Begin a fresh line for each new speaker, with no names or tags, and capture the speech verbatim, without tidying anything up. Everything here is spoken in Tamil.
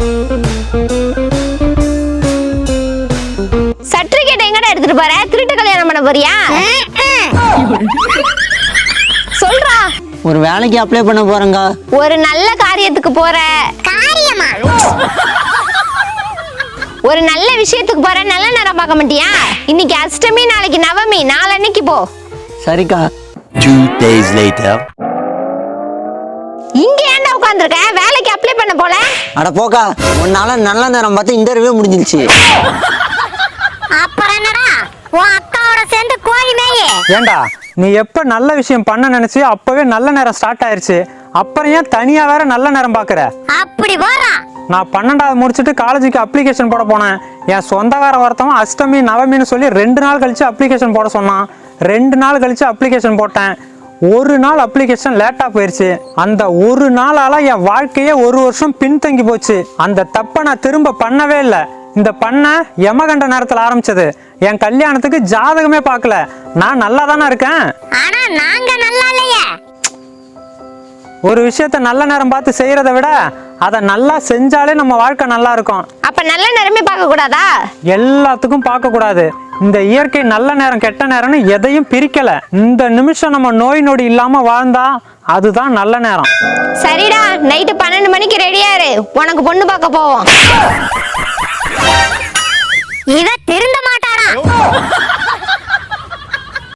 சர்டிபிகேட் எங்கடா எடுத்துட்டு போற? திருட்டு கல்யாணம் பண்ண போறியா? சொல்றா.
ஒரு வேலைக்கு அப்ளை பண்ண போறேங்க.
ஒரு நல்ல காரியத்துக்கு போற. காரியமா? ஒரு நல்ல விஷயத்துக்கு போற. நல்ல நேரம் பார்க்க மாட்டியா? இன்னைக்கு அஷ்டமி, நாளைக்கு நவமி, நாளன்னைக்கு போ.
சரிக்கா.
Two days later.
இங்க ஏன்டா உட்கார்ந்திருக்க? வேலைக்கு அப்ளை பண்ண போல?
அட போக்கா, உன்னால நல்ல நேரம் பார்த்து இன்டர்வியூ முடிஞ்சிருச்சு.
அப்புறம் என்னடா? உன் அக்காவோட சேர்ந்து கோழி மேயே.
ஏண்டா நீ எப்ப நல்ல விஷயம் பண்ண நினைச்சு அப்பவே நல்ல நேரம் ஸ்டார்ட் ஆயிருச்சு. அப்புறம் ஏன் தனியா வேற நல்ல நேரம் பாக்குற?
அப்படி போறா.
நான் பன்னெண்டாவது முடிச்சுட்டு காலேஜுக்கு அப்ளிகேஷன் போட போனேன். என் சொந்தக்காரன் ஒருத்தவன் அஷ்டமி நவமின்னு சொல்லி ரெண்டு நாள் கழிச்சு அப்ளிகேஷன் போட சொன்னான். ரெண்டு நாள் கழிச்சு அப்ளிகேஷன் போட்டேன். ஒரு நாள் அப்ளிகேஷன் லேட்டா போயிருச்சு. அந்த ஒரு நாளால என் வாழ்க்கையே ஒரு வருஷம் பின்தங்கி போச்சு. அந்த தப்பை நான் திரும்ப பண்ணவே இல்லை. இந்த பண்ண யமகண்ட நேரத்துல ஆரம்பிச்சது. என் கல்யாணத்துக்கு ஜாதகமே பார்க்கல. நான் நல்லா தானே இருக்கேன்.
ஆனா நாங்க நல்லா இல்லையே.
ஒரு விஷயத்த நல்ல நேரம் பார்த்து செய்யறதை விட அதை நல்லா செஞ்சாலே நம்ம வாழ்க்கை நல்லா இருக்கும்.
அப்ப நல்ல நேரமே பார்க்க கூடாதா?
எல்லாத்துக்கும் பார்க்க கூடாது. இந்த இயற்கை நல்ல நேரம் கெட்ட நேரம்னு எதையும் பிரிக்கல. இந்த நிமிஷம் நம்ம நோய் நொடி இல்லாம வாழ்ந்தா அதுதான் நல்ல நேரம்.
சரிடா, நைட்டு பன்னெண்டு மணிக்கு ரெடியா இரு. உனக்கு பொண்ணு பார்க்க போவோம். இவ திருந்த மாட்டாடா.